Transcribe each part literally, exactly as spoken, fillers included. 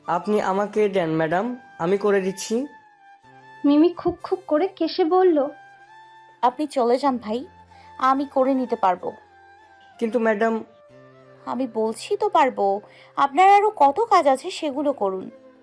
আপনি আমাকে দেন ম্যাডাম, আমি করে দিচ্ছি। মিমি খুব খুব করে কেসে বলল, আপনি চলে যান ভাই, আমি করে নিতে পারবো। কিন্তু ম্যাডাম। আমি বলছি তো পারবো। আপনার আরো কত কাজ আছে সেগুলো করুন।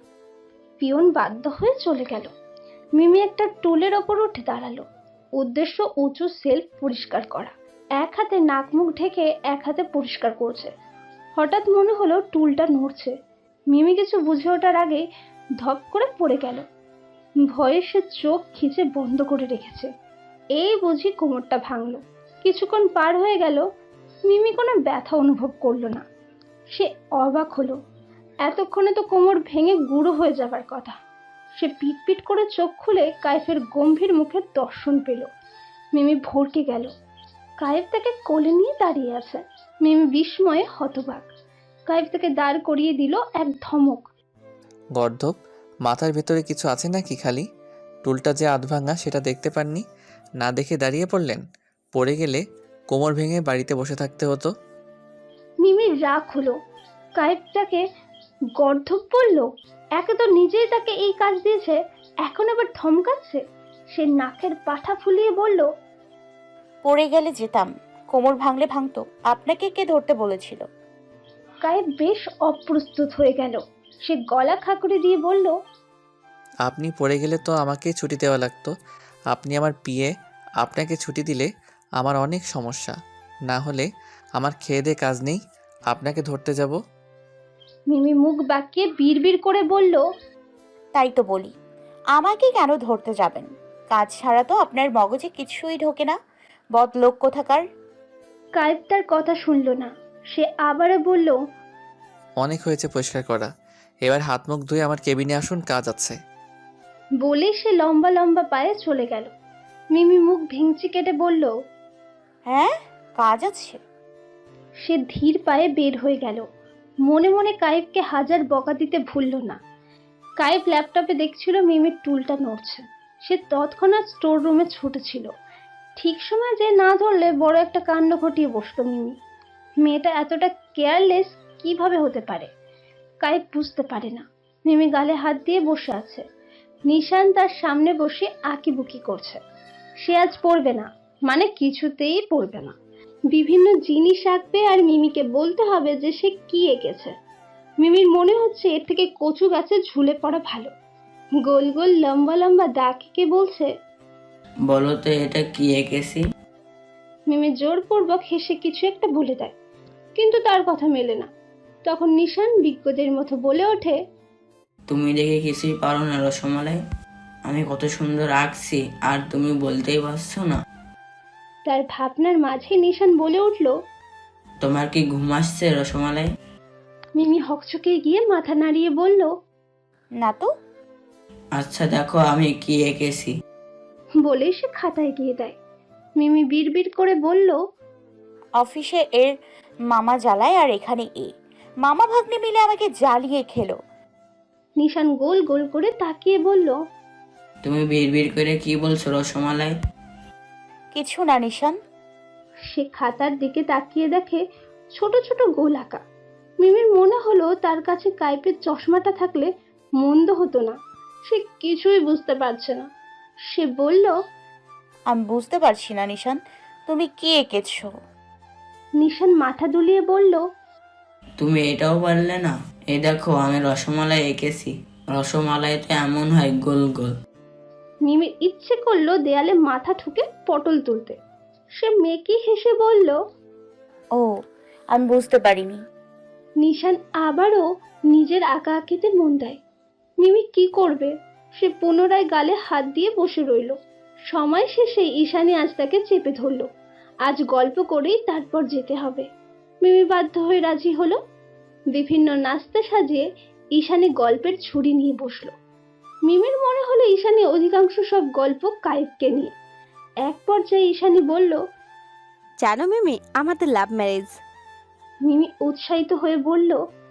পিয়ন বাধ্য হয়ে চলে গেল। মিমি একটা টুলের ওপর উঠে দাঁড়ালো। উদ্দেশ্য উঁচু সেলফ পরিষ্কার করা। এক হাতে নাক মুখ ঢেকে এক হাতে পরিষ্কার করছে। হঠাৎ মনে হলো টুলটা নড়ছে। মিমি কিছু বুঝে ওঠার আগে ধপ করে পড়ে গেল। ভয়ে সে চোখ খিচে বন্ধ করে রেখেছে। এই বুঝি কোমরটা ভাঙলো। কিছুক্ষণ পার হয়ে গেল, মিমি কোনো ব্যথা অনুভব করলো না। সে অবাক হলো, এতক্ষণে তো কোমর ভেঙে গুঁড়ো হয়ে যাবার কথা। সে পিট পিট করে চোখ খুলে কাইফের গম্ভীর মুখের দর্শন পেল। মিমি ভরকে গেল। কাইফ তাকে কোলে নিয়ে দাঁড়িয়ে আছে। মিমি বিস্ময়ে হতবাক। কাইফ তাকে দাঁড় করিয়ে দিল এক ধমক। গর্দভ, মাথার ভেতরে কিছু আছে নাকি? খালি টুলটা যে আধ ভাঙা সেটা দেখতে পাননি, না দেখে দাঁড়িয়ে পড়লেন। পড়ে গেলে কোমর ভেঙে বাড়িতে বসে থাকতে হতো। মিমির রাগ হলো। কাইফ তাকে গর্ধব বলল। একে তো নিজেই তাকে এই কাজ দিয়েছে, এখন আবার ধমকাচ্ছে। সে নাকের পাঠা ফুলিয়ে বলল, পড়ে গেলে যেতাম, কোমর ভাঙলে ভাঙতো। আপনাকে কে ধরতে বলেছিল? কাইফ বেশ অপ্রস্তুত হয়ে গেল। সে গলা খাকুড়ে দিয়ে বলল, আপনি পড়ে গেলে তো আমাকে ছুটি দেওয়া লাগতো। আপনি আমার পিএ, আপনাকে ছুটি দিলে আমার অনেক সমস্যা। না হলে আমার খেয়ে দে কাজ নেই, আপনাকে ধরতে যাব। মিমি মুখ বাঁকিয়ে বিড়বিড় করে বলল, তাই তো বলি, আমাকে কেন ধরতে যাবেন? কাজ ছাড়া তো আপনার মগজে কিছুই ঢোকে না, বদলোক কোথাকার। কাইফ তার কথা শুনল না। সে আবারও বলল, অনেক হয়েছে পরিষ্কার করা, এবার হাত মুখ ধুয়ে আমার কেবিনে আসুন, কাজ আছে। বলে সে লম্বা লম্বা পায়ে চলে গেল। মিমি মুখ ভেঙচি কেটে বলল, হ্যাঁ, কাজ আছে। সে ধীর পায়ে বের হয়ে গেল। মনে মনে কাইফকে হাজার বকা দিতে ভুলল না। কাইফ ল্যাপটপে দেখছিল মিমির টুলটা নড়ছে। সে তৎক্ষণাৎ স্টোর রুমে ছুটেছিল। ঠিক সময় যে না ধরলে বড় একটা কাণ্ড ঘটিয়ে বসতো মিমি। মেয়েটা এতটা কেয়ারলেস কিভাবে হতে পারে? কাইফ বুঝতে পারে না। মিমি গালে হাত দিয়ে বসে আছে। নিশান তার সামনে বসে আঁকিবুকি করছে। সে আজ পড়বে না, মানে কিছুতেই পড়বে না। বিভিন্ন জিনিস আঁকবে আর মিমিকে বলতে হবে যে সে কি এঁকেছে। মিমির মনে হচ্ছে এর থেকে কচু গাছে ঝুলে পড়া ভালো। গোল গোল লম্বা লম্বা দাগ এঁকে বলছে, বলো তো এটা কি এঁকেছি? মিমি জোরপূর্বক হেসে কিছু একটা বলে দেয়, কিন্তু তার কথা মেলে না। তখন নিশান বিজ্ঞদের মতো বলে ওঠে, তুমি দেখে কিছুই পারো না রসমালাই। আমি কত সুন্দর আঁকছি আর তুমি বলতেই পারছো না। তার ভাবনার মাঝে নিশান বলে উঠল, তোমার কি ঘুম আসছে রসমালাই? মিমি হকচকে গিয়ে মাথা নাড়িয়ে বলল, না তো। আচ্ছা দেখো আমি কি এঁকেছি। বলেই সে খাতায় গিয়ে দেয়। মিমি বিড়বিড় করে বলল, অফিসে এর মামা জ্বালায় আর এখানে এ মামা ভাগ্নে মিলে আমাকে জ্বালিয়ে খেলো। নিশান গোল গোল করে তাকিয়ে বলল, তুমি বিড়বিড় করে কি বলছো রসমালাই? কিছু না নিশান। সে খাতার দিকে তাকিয়ে দেখে ছোট ছোট গোল আঁকা। মিমির মনে হলো তার কাছে কাইপের চশমাটা থাকলে মন্দ হতো না। সে কিছুই বুঝতে পারছে না। সে বলল, আমি বুঝতে পারছি না নিশান, তুমি কি এঁকেছো? নিশান মাথা দুলিয়ে বলল, তুমি এটাও পারলে না? এই দেখো আমি রসমালাই এঁকেছি। রসমালাই তো এমন হয় গোল গোল। মিমির ইচ্ছে করলো দেয়ালে মাথা ঠুকে পটল তুলতে। সে মেকি হেসে বলল, ও, আমি বুঝতে পারিনি। নিশান আবারও নিজের আঁকা আঁকিতে মন দেয়। মিমি কি করবে? সে পুনরায় গালে হাত দিয়ে বসে রইল। সময় শেষে ঈশানী আজ তাকে চেপে ধরল। আজ গল্প করেই তারপর যেতে হবে। মিমি বাধ্য হয়ে রাজি হলো। বিভিন্ন নাস্তা সাজিয়ে ঈশানী গল্পের ছুরি নিয়ে বসলো। মিমির মনে হলো ঈশানী অধিকাংশ সব গল্প কাইফকে নিয়ে। এক পর্যায়ে ঈশানী বলল, জানো মিমি, আমাদের লাভ ম্যারেজ। মিমি উৎসাহিত হয়ে বলল,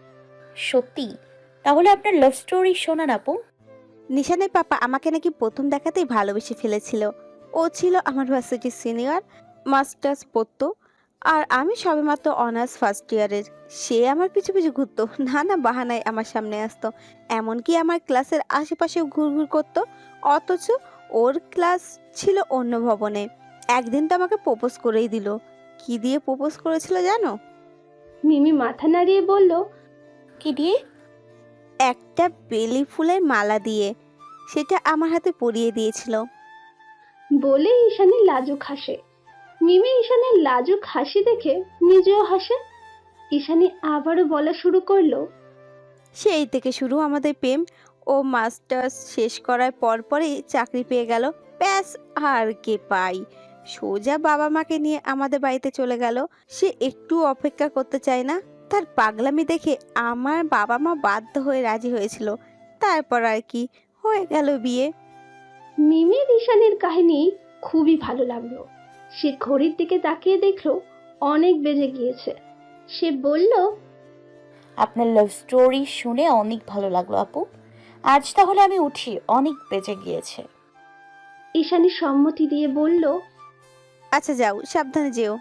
সত্যি? তাহলে আপনার লাভ স্টোরি শোনান আপু। নিশানের পাপা আমাকে নাকি প্রথম দেখাতেই ভালোবেসে ফেলেছিল। ও ছিল আমার ভার্সিটির সিনিয়র, মাস্টার্স পড়তো। আর আমি সবেমাত্র অনার্স ফার্স্ট ইয়ারের। সে আমার পিছু পিছু ঘুরতো, না না বাহানায় আমার সামনে আসতো, এমনকি আমার ক্লাসের আশেপাশেও ঘুরঘুর করতো। অথচ ওর ক্লাস ছিল অন্য ভবনে। একদিন তো আমাকে প্রপোজ করেই দিল। কি দিয়ে প্রপোজ করেছিল জানো? মিমি মাথা নাড়িয়ে বলল, কি দিয়ে? একটা বেলি ফুলের মালা দিয়ে। সেটা আমার হাতে পরিয়ে দিয়েছিল। বলে ঈশানী লাজুক হাসে। মিমি ঈশানের লাজুক হাসি দেখে নিজেও হাসে। ঈশানী আবারও বলা শুরু করলো, সেই থেকে শুরু আমাদের প্রেম। ও মাস্টার্স শেষ করার পরপরই চাকরি পেয়ে গেল। ব্যাস, আর কে পাই। সোজা বাবা মাকে নিয়ে আমাদের বাড়িতে চলে গেল। সে একটু অপেক্ষা করতে চায় না। তার পাগলামি দেখে আমার বাবা মা বাধ্য হয়ে রাজি হয়েছিল। তারপর আর কি, হয়ে গেল বিয়ে। মিমির ঈশানীর কাহিনী খুবই ভালো লাগলো। সে ঘড়ির দিকে তাকিয়ে দেখলো অনেক বেজে গিয়েছে। সে বলল, আপনার লাভ স্টোরি শুনে অনেক ভালো লাগলো আপু। আজ তাহলে আমি উঠি, অনেক বেঁচে গিয়েছে। ঈশানী সম্মতি দিয়ে বলল। আচ্ছা যাও, সাবধানে যেও।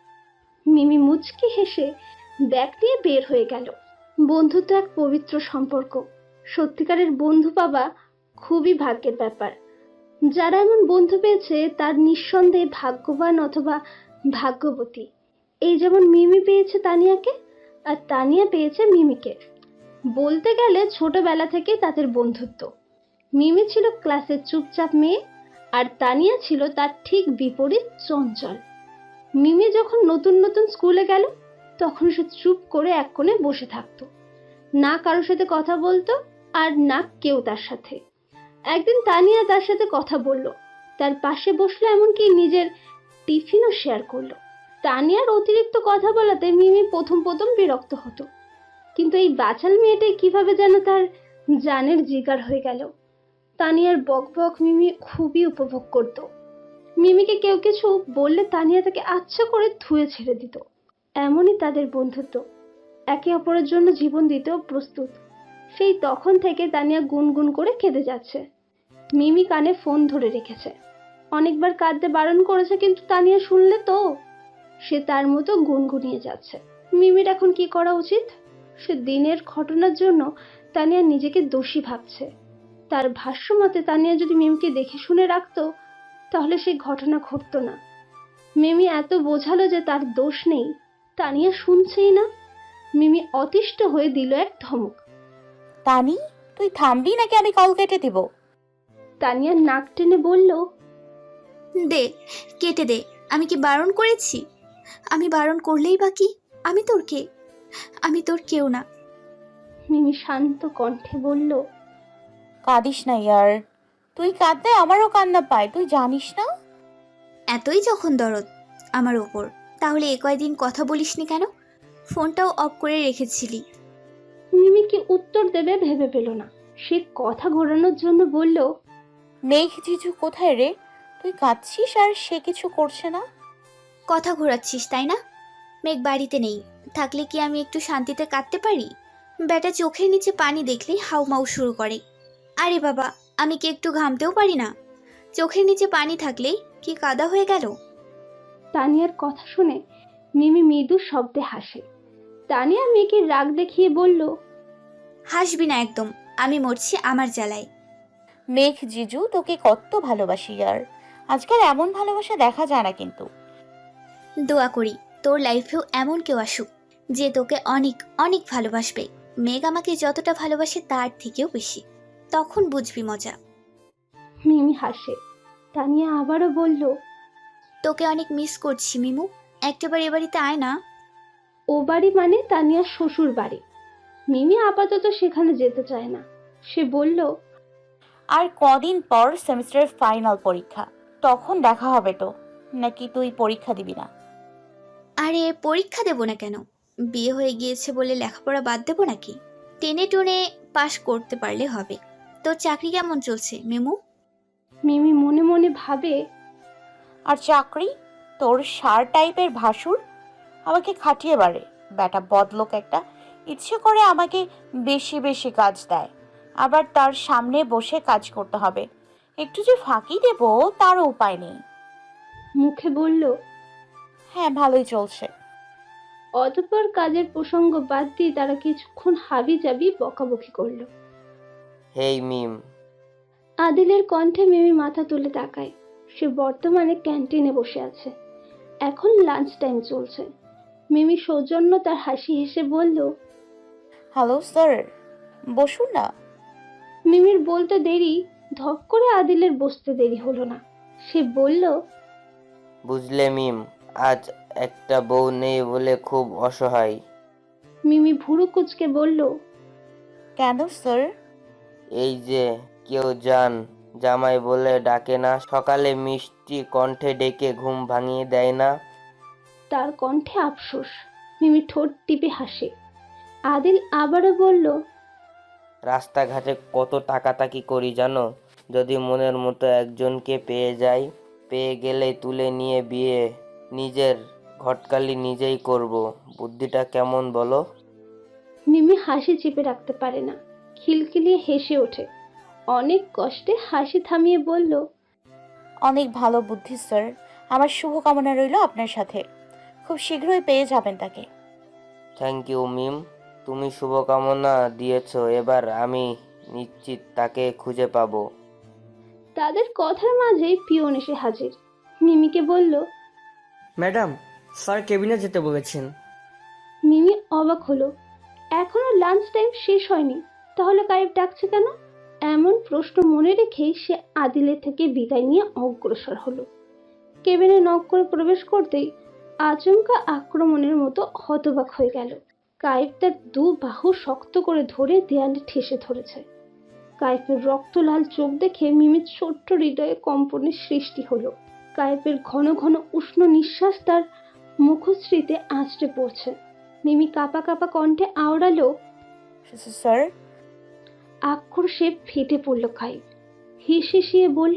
মিমি মুচকি হেসে ব্যাগ নিয়ে বের হয়ে গেল। বন্ধুত্ব এক পবিত্র সম্পর্ক। সত্যিকারের বন্ধু পাওয়া খুবই ভাগ্যের ব্যাপার। যারা এমন বন্ধু পেয়েছে তার নিঃসন্দেহে ভাগ্যবান অথবা ভাগ্যবতী। এই যেমন মিমি পেয়েছে তানিয়াকে, আর তানিয়া পেয়েছে মিমিকে। বলতে গেলে ছোটবেলা থেকে তাদের বন্ধুত্ব। মিমি ছিল ক্লাসের চুপচাপ মেয়ে, আর তানিয়া ছিল তার ঠিক বিপরীত, চঞ্চল। মিমি যখন নতুন নতুন স্কুলে গেল তখন সে চুপ করে এক কোণে বসে থাকতো, না কারোর সাথে কথা বলতো আর না কেউ তার সাথে। একদিন তানিয়া তার সাথে কথা বলল, তার পাশে বসলো, এমনকি নিজের টিফিনও শেয়ার করলো। তানিয়ার অতিরিক্ত কথা বলাতে মিমি প্রথম প্রথম বিরক্ত হতো, কিন্তু এই বাচাল মেয়েটাই কিভাবে যেন তার জানের জিগার হয়ে গেল। তানিয়ার বক বক মিমি খুবই উপভোগ করত। মিমিকে কেউ কিছু বললে তানিয়া তাকে আচ্ছা করে ধুয়ে ছেড়ে দিত। এমনই তাদের বন্ধুত্ব, একে অপরের জন্য জীবন দিতেও প্রস্তুত। সেই তখন থেকে তানিয়া গুনগুন করে কেঁদে যাচ্ছে। মিমি কানে ফোন ধরে রেখেছে, অনেকবার কাঁদতে বারণ করেছে, কিন্তু তানিয়া শুনলে তো। সে তার মতো গুনগুনিয়ে যাচ্ছে। মিমির এখন কি করা উচিত? সে দিনের ঘটনার জন্য তানিয়া নিজেকে দোষী ভাবছে। তার ভাষ্য মতে তানিয়া যদি মিমিকে দেখে শুনে রাখতো তাহলে সেই ঘটনা ঘটতো না। মিমি এত বোঝালো যে তার দোষ নেই, তানিয়া শুনছেই না। মিমি অতিষ্ঠ হয়ে দিল এক ধমক। তানি, তুই থামবি নাকি আমি কল কেটে দিব? তানিয়া নাক টেনে বলল, দে, কেটে দে। আমি কি বারণ করেছি? আমি বারণ করলেই বা কি? আমি তোর কে? আমি তোর কেউ না। মিমি শান্ত কণ্ঠে বলল, কাঁদিস না ইয়ার। তুই কাঁদলে আমারও কান্না পায়, তুই জানিস না? এতই যখন দরদ আমার ওপর, তাহলে এ কয়দিন কথা বলিসনি কেন? ফোনটাও অফ করে রেখেছিলি। মিমি কি উত্তর দেবে ভেবে পেল না। সে কথা ঘোরানোর জন্য বলল, মেঘ জিজু কোথায় রে? তুই কাঁদছিস আর সে কিছু করছে না। কথা ঘোরাচ্ছিস তাই না? মেঘ বাড়িতে নেই, থাকলে কি আমি একটু শান্তিতে কাঁদতে পারি? বেটা চোখের নিচে পানি দেখলেই হাউমাউ শুরু করে। আরে বাবা, আমি কি একটু ঘামতেও পারি না? চোখের নিচে পানি থাকলেই কি কাদা হয়ে গেল? তানিয়ার কথা শুনে মিমি মৃদু শব্দে হাসে। তানিয়া মেয়েকে রাগ দেখিয়ে বলল, হাসবি না একদম, আমি মরছি আমার জ্বালায়। মেঘ জিজু তোকে কত ভালোবাসি ইয়ার। আজকাল এমন ভালোবাসা দেখা যায় না কিন্তু। দোয়া করি তোর লাইফেও এমন কেউ আসুক যে তোকে অনেক অনেক ভালোবাসবে। মেঘ আমাকে যতটা ভালোবাসে তার থেকেও বেশি, তখন বুঝবি মজা। মিমি হাসে। তানিয়া আবারও বলল, তোকে অনেক মিস করছি মিমু, একটাবার এ বাড়িতে আয় না। ও বাড়ি মানে তানিয়ার শ্বশুর বাড়ি। মিমি আপাতত সেখানে যেতে চায় না। সে বলল, আর কদিন পর সেমিস্টারের ফাইনাল পরীক্ষা, তখন দেখা হবে তো। নাকি তুই পরীক্ষা দিবি না? আরে পরীক্ষা দেব না কেন? বিয়ে হয়ে গিয়েছে বলে লেখাপড়া বাদ দেবো নাকি? টেনে টুনে পাশ করতে পারলে হবে। তোর চাকরি কেমন চলছে মিমু? মিমি মনে মনে ভাবে, আর চাকরি? তোর সার টাইপের ভাসুর আমাকে খাটিয়ে বাড়ে। বেটা বদলোক একটা, ইচ্ছে করে আমাকে বেশি বেশি কাজ দেয়, আবার তার সামনে বসে কাজ করতে হবে। একটু যে ফাঁকি দেব তারও উপায় নেই। মুখে বলল, হ্যাঁ, ভালোই চলছে। অতঃপর কাজের প্রসঙ্গ বাদ দিয়ে তারা কিছুক্ষণ হাবি জাবি বকাবকি করলো। হেই মিম, আদিলের কণ্ঠে মিমি মাথা তুলে তাকায়। সে বর্তমানে ক্যান্টিনে বসে আছে। এখন লাঞ্চ টাইম চলছে। মিমি সৌজন্য তার হাসি হেসে বলল, হ্যালো স্যার, বসুন না। মিমির বলতে দেরি, ধপ করে আদিলের বসতে দেরি হলো না। সে বলল, বুঝলে মিম, আজ একটা বউ নেই বলে খুব অসহায়। মিমি ভুরু কুচকে বলল, কেন স্যার? এই যে কেউ জান জামাই বলে ডাকে না, সকালে মিষ্টি কণ্ঠে ডেকে ঘুম ভাঙিয়ে দেয় না। তার কণ্ঠে আফসোস। মিমি ঠোঁট টিপে হাসে। আদিল আবারও বলল, রাস্তাঘাটে কত তাকাতাকি করি জানো, যদি মনের মতো একজনকে পেয়ে যাই, পেয়ে গেলে তুলে নিয়ে বিয়ে, নিজের ঘটকালি নিজেই করব। বুদ্ধিটা কেমন বলো? মিমি হাসি চেপে রাখতে পারে না, খিলখিলিয়ে হেসে ওঠে। অনেক কষ্টে হাসি থামিয়ে বলল, অনেক ভালো বুদ্ধি স্যার। আমার শুভকামনা রইল আপনার সাথে। খুব শীঘ্রই পেয়ে যাবেন তাকে। থ্যাংক ইউ মিম, তুমি শুভকামনা দিয়েছো, এবার আমি নিশ্চিত তাকে খুঁজে পাবো। তাদের কথার মাঝে পিয়ন এসে হাজির। মিমিকে বলল, ম্যাডাম, স্যার কেবিনে যেতে বলেছেন। মিমি অবাক হলো। এখনো লাঞ্চ টাইম শেষ হয়নি, তাহলে কায়েব ডাকছে কেন? এমন প্রশ্ন মনে রেখেই সে আদিলের থেকে বিদায় নিয়ে অগ্রসর হলো। কেবিনে নক করে প্রবেশ করতেই আচমকা আক্রমণের মতো হতবাক হয়ে গেল। কায়েব তার দু বাহু শক্ত করে ধরে দেয়ালে ঠেসে ধরেছে। কায়েবের রক্তলাল চোখ দেখে মিমির ছোট্ট হৃদয়ে কম্পনের সৃষ্টি হলো। কায়েবের ঘন ঘন উষ্ণ নিঃশ্বাস তার মুখশ্রীতে আঁচড়ে পড়ছে। মিমি কাঁপা কাঁপা কণ্ঠে আওড়ালো, স্যার। আক্রোশে ফেটে পড়ল কায়েব। হিস হিসিয়ে বলল,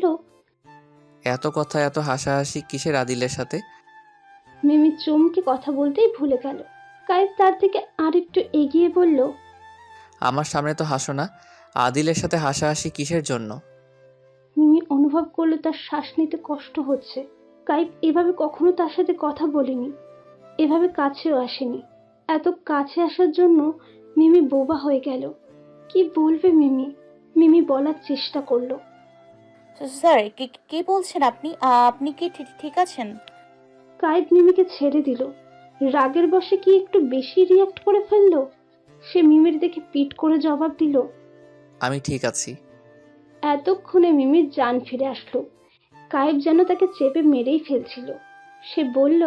এত কথা এত হাসাহাসি কিসের আদিলের সাথে? মিমি চমকে কথা বলতেই ভুলে গেল। কায়েব তার থেকে আরেকটু এগিয়ে বলল, আমার সামনে তো হাসো না, আদিলের সাথে হাসাহাসি কিসের জন্য? মিমি অনুভব করলো তার শ্বাস নিতে কষ্ট হচ্ছে। কায়েব এভাবে কখনো তার সাথে কথা বলেনি, এভাবে কাছেও আসেনি। এত কাছে আসার জন্য মিমি বোবা হয়ে গেল। কি বলবে মিমি? মিমি বলার চেষ্টা করলো, স্যার, কি কি বলছেন আপনি? আ, আপনি কি ঠিক ঠিক আছেন? কায়েব মিমিকে ছেড়ে দিল। রাগের বশে কি একটু বেশি রিয়াক্ট করে ফেললো? সে মিমির দেখে পিট করে জবাব দিল, আমি ঠিক আছি। এতক্ষণে মিমির জান ফিরে আসলো। কায়েব যেন তাকে চেপে মেরেই ফেলছিল। সে বলল,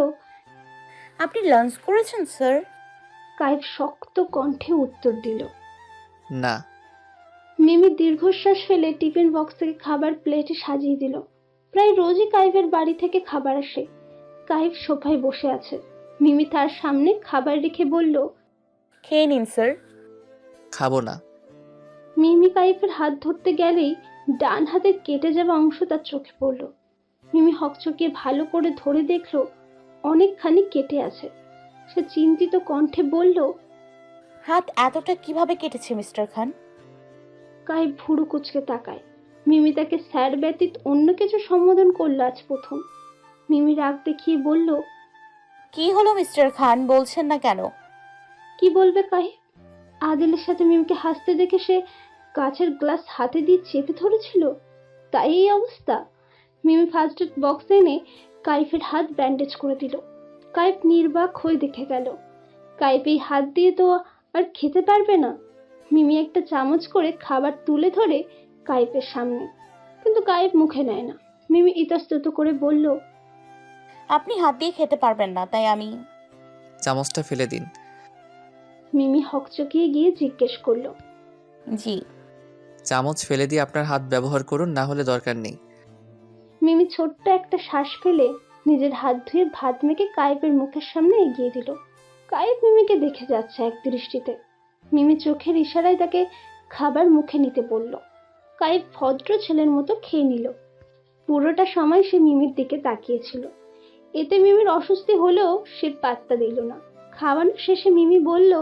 আপনি লাঞ্চ করেছেন স্যার? কায়েব শক্ত কণ্ঠে উত্তর দিল। না। মিমি দীর্ঘশ্বাস ফেলে টিফিন বক্স থেকে খাবার প্লেটে সাজিয়ে দিল। প্রায় রোজই কায়েবের বাড়ি থেকে খাবার আসে। কায়েব সোফায় বসে আছে। মিমি তার সামনে খাবার রেখে বলল, খেয়ে নিন স্যার। খাবো না। মিমি কায়েবের হাত ধরতে গেলেই ডান হাতের কেটে যাওয়া অংশ তার চোখে পড়ল। মিমি হকচকিয়ে ভালো করে ধরে দেখল অনেকখানি কেটে আছে। সে চিন্তিত কণ্ঠে বলল, হাত এতটা কিভাবে কেটেছে মিস্টার খান? কায়েব ভুরু কুচকে তাকায়। মিমি তাকে স্যার ব্যতীত অন্য কিছু সম্বোধন করলো আজ প্রথম। মিমি রাগ দেখিয়ে বলল, কি হলো মিস্টার খান, বলছেন না কেন? কি বলবে কায়েব? আদিলের সাথে মিমিকে হাসতে দেখে সে কাছের গ্লাস হাতে দিয়ে চেপে ধরেছিল, তাই এই অবস্থা। মিমি ফার্স্ট এড বক্স এনে কায়েবের হাত ব্যান্ডেজ করে দিল। কায়েব নির্বাক হয়ে দেখে গেল। কায়েব এই হাত দিয়ে তো আর খেতে পারবে না। মিমি একটা চামচ করে খাবার তুলে ধরে কায়েবের সামনে, কিন্তু কায়েব মুখে নেয় না। মিমি ইতস্তত করে বলল, আপনি হাত দিয়ে খেতে পারবেন না, তাই আমি। চামচটা ফেলে দিন। মিমি হকচকিয়ে গিয়ে জিজ্ঞেস করলো, জি। চামচ ফেলে দিয়ে আপনার হাত ব্যবহার করুন, না হলে দরকার নেই। মিমি ছোট্ট একটা শ্বাস ফেলে নিজের হাত ধুয়ে ভাত মেখে কায়েবের মুখের সামনে এগিয়ে দিল। কায়েব মিমিকে দেখে যাচ্ছে এক দৃষ্টিতে। মিমি চোখের ইশারায় তাকে খাবার মুখে নিতে বলল। কায়েব ভদ্র ছেলের মতো খেয়ে নিল। পুরোটা সময় সে মিমির দিকে তাকিয়েছিল। এতে মিমির অস্বস্তি হলেও সে পাত্তা দিল না। খাওয়ানো শেষে মিমি বলল,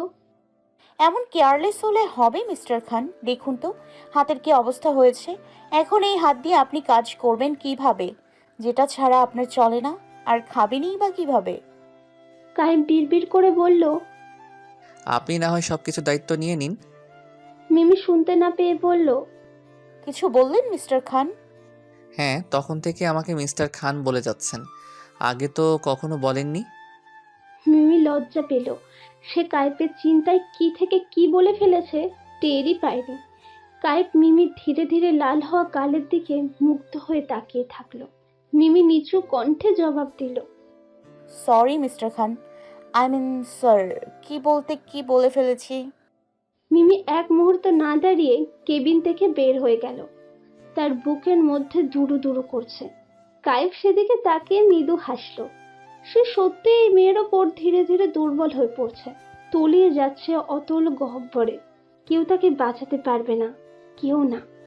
এমন কেয়ারলেস হলে হবে মিস্টার খান? দেখুন তো হাতের কি অবস্থা হয়েছে। এখন এই হাত দিয়ে আপনি কাজ করবেন কিভাবে, যেটা ছাড়া আপনার চলে না? আর খাবেনই বা কিভাবে? কায়েব বিড়বিড় করে বলল। আপনি না হয় সব কিছু দায়িত্ব নিয়ে নিন। মিমি শুনতে না পেয়ে বলল। কিছু বললেন মিস্টার খান? হ্যাঁ, তখন থেকে আমাকে মিস্টার খান বলে যাচ্ছেন, আগে তো কখনো বলেননি। মিমি লজ্জা পেল। সে কায়েবের চিন্তায় কি থেকে কি বলে ফেলেছে টেরই পায়নি। কায়েব মিমির ধীরে ধীরে লাল হওয়া গালের দিকে মুগ্ধ হয়ে তাকিয়ে থাকলো। মিমি নিচু কণ্ঠে জবাব দিল। Sorry mister Khan, I mean sir, কি বলতে কি বলে ফেলেছি। মিমি এক মুহূর্ত না দাঁড়িয়ে কেবিন থেকে বের হয়ে গেল। তার বুকের মধ্যে দুরু দুরু করছে। কায়েব সেদিকে তাকিয়ে মৃদু হাসলো। সে সত্যি এই মেয়ের ওপর ধীরে ধীরে দুর্বল হয়ে পড়ছে, তলিয়ে যাচ্ছে অতল গহ্বরে। কেউ তাকে বাঁচাতে পারবে না, কেউ না।